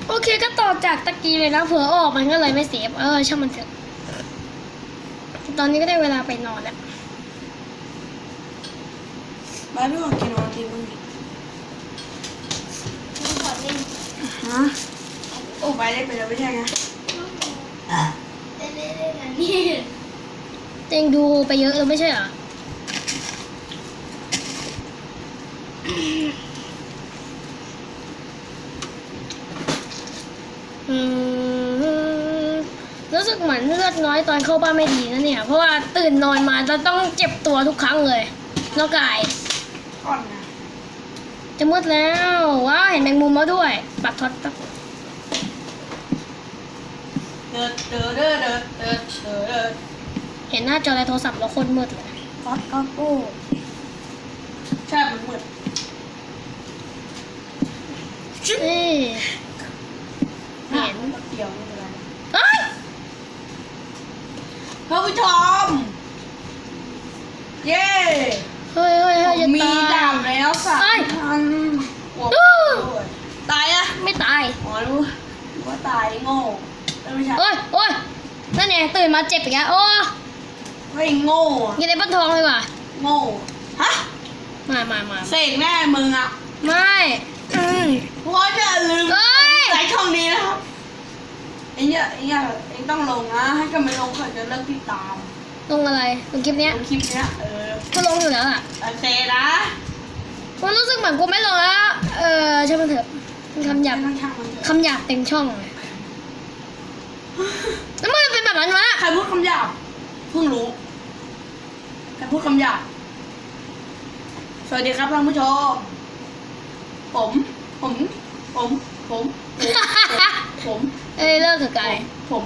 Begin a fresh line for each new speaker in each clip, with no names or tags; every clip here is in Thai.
โอเคก็ต่อจากตะกี้เลยนะเผื่อออกมันก็เลยไม่เซฟช่างมันเถอะตอนนี้ก็ได้เวลาไปนอนแล้ว
บ้านพี่ของกินวันทีมึงฮะโอ้ไปเล่นไปแล้วไม่ใช่ไง
เต็งดูไปเยอะแล้วไม่ใช่เหรอรู้สึกเหมือนเลือดน้อยตอนเข้าบ้านไม่ดีนะเนี่ยเพราะว่าตื่นนอนมาจะต้องเจ็บตัวทุกครั้งเลยนอกกาย
ก่อนนะ
จะมืดแล้วว้าเห็นแมงมุมแล้วด้วยปัดทอดตับเห็นหน้าจอในโทรศัพท์แล้วคนมืดเลย
ฟอสก็โก้ใช่มันมืด
นี่เห็น
เดียวไม่เป็นไร
เอ้ย
ท่านผู้ชมเย้
เฮ้ยจะ
มีดาบแล้วสักอันตายอะ
ไม่ตาย
อ๋อรู้ว่าตายโง่ไม่ใช่
โอ้ยนั่นไงตื่นมาเจ็บอีกแล้วโอ้
ไม่โง่
ยิงในบ้านทองเลยว่ะ
โง่ฮะ
มา
เสกแน่มึงอะ
ไม่
เพราะอย่าลืมใส่ช่องนี้นะครับเอ็งต้องลงนะให้กันไม่ลงเขาจะเลิกติดตาม
ลงอะไรลงคลิปเนี้ยก็ลงอยู่แล้วอ่ะ
โอเคนะ
มันรู้สึกเหมือนกูไม่ลงแล้วใช่ไหมเถอะคำหยาบเต็มช่องเลยแล้วมันเป็นแบบนั้นวะ
ใครพูดคำหยาบเพิ่งรู้ใครพูดคำหยาบสวัสดีครับท่านผู้ชมผม
เลิกกับไก่
ผม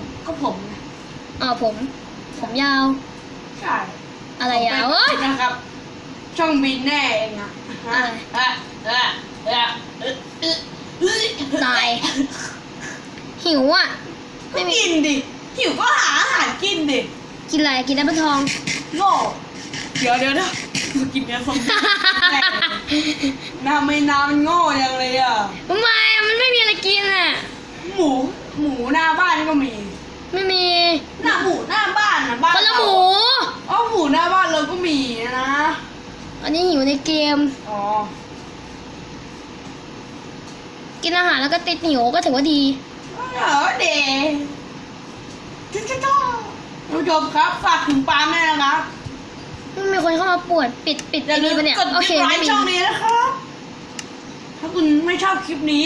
ผมยาว
ใช่
อะไรยาว
นะครับช่องบินแน่เองอะ
ตายหิวอ่ะ
ไม่กินดิหิวก็หาอาหารกินดิ
กินอะไรกินน้ำมันทอง
โง่เดี๋ยวกินเนื้อส้มน้ำมันโง่ยังเลยอ่ะ
ทำไมมันไม่มีอะไรกินอ่ะ
หมูหน้าบ้านก็มี
ไม่มี
หน้าหมูหน้าบ้านนะบ้าน
คนละหมู
หมูหน้าบ้านเราก็มีนะ
อันนี้หิวในเกมกินอาหารแล้วก็ติดหิวก็ถือว่าดี
เด็กท่านผู้ชมครับฝากถึงปาล์มด้วยนะครับ
มีคนเข้ามาปวดปิด
อย่าลืมกดติดตามช่องนี้นะครับถ้าคุณไม่ชอบคลิปนี้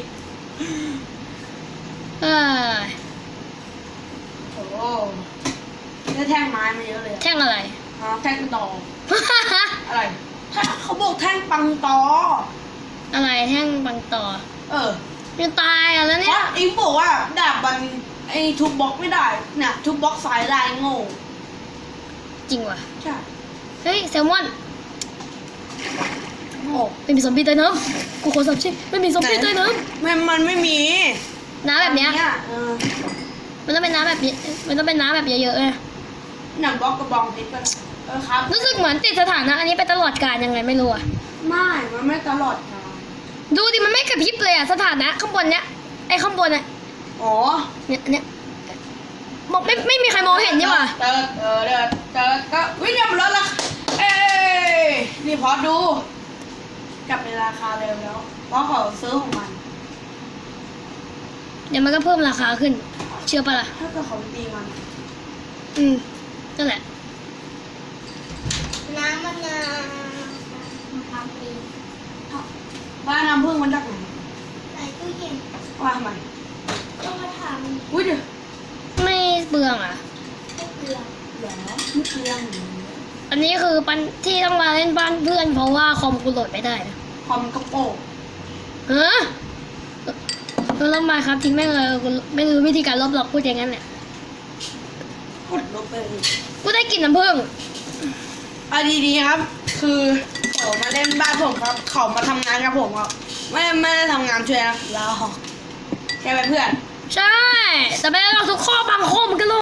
โอ้ได้แท่งไม้มาเยอะเลย
แท่งอะไร
แท่งตออะไรเขาบอกแท่งปังตอ
อะไรแท่งปังตอยังตายอ่ะแล้วเนี่ย
อิงบอกว่าดาบมันไอ้ทุบบล็อกไม่ได้เนี่ยทุบบล็อกสายลายโง่
จริงวะ
ใช่
เฮ้ยแซลมอนไม่มีซอมบี้ใต้น้ำกูขอสับชิไม่มีซอมบี้ใต้น้
ำมันไม่มี
น้ำแบบเนี้ยมันต้องเป็นน้ำแบบมันต้องเป็นน้ำแบบเยอะๆเลย
หนังบล็อกกระบองติดกันครับ
รู้สึกเหมือนติดสถานะอันนี้ไปตลอดกาลยังไงไม่รู้อ่ะ
มันไม่ตลอดกาล
ดูดิมันไม่กระพริบเลยอ่ะสถานะข้างบนเนี้ยไอ้ข้างบนอ่ะเนี่ยบอกไม่มีใครมองเห็นนี่หว่า
ก็วิ่งเนี่ยมันลดละนี่พอดูกลับในราคาเดิมแล้วเพราะเขาซื้อของมัน
เดี๋ยวมันก็เพิ่มราคาขึ้นเชื่อปะล่ะ
ถ้าเกิดเขาตีมัน
นั่นแหละ
น้ำมัน
บ้านน้ำพึ่งมันจากไหน
ใส่ตู้เย็น
ว่าทำไม
ต้องมาทำ
อุ้ยเดี๋ยว
ไม่เปลืองอ่ะ
ไม่เปลือง
ไม่เปลือง
อันนี้คือปันที่ต้องมาเล่นบ้านเพื่อนเพราะว่าคอมกูโหลดไม่ได้นะ
คอมกระโปง
ลบมาครับทิ้งแม่งเลยกูไม่รู้วิธีการลบหรอกพูดอย่างนั้นแหละ
กดลบไป
กูได้กลิ่นน้ำผึ้ง
ดีๆครับคือเขามาเล่นบ้านผมครับเขามาทำงานกับผมครับไม่ได้ทำงานช่วยนะเราแค่เป็นเพื่อน
ใช่แต่ไม่ได้เราทุกข้อบางข้อมันก็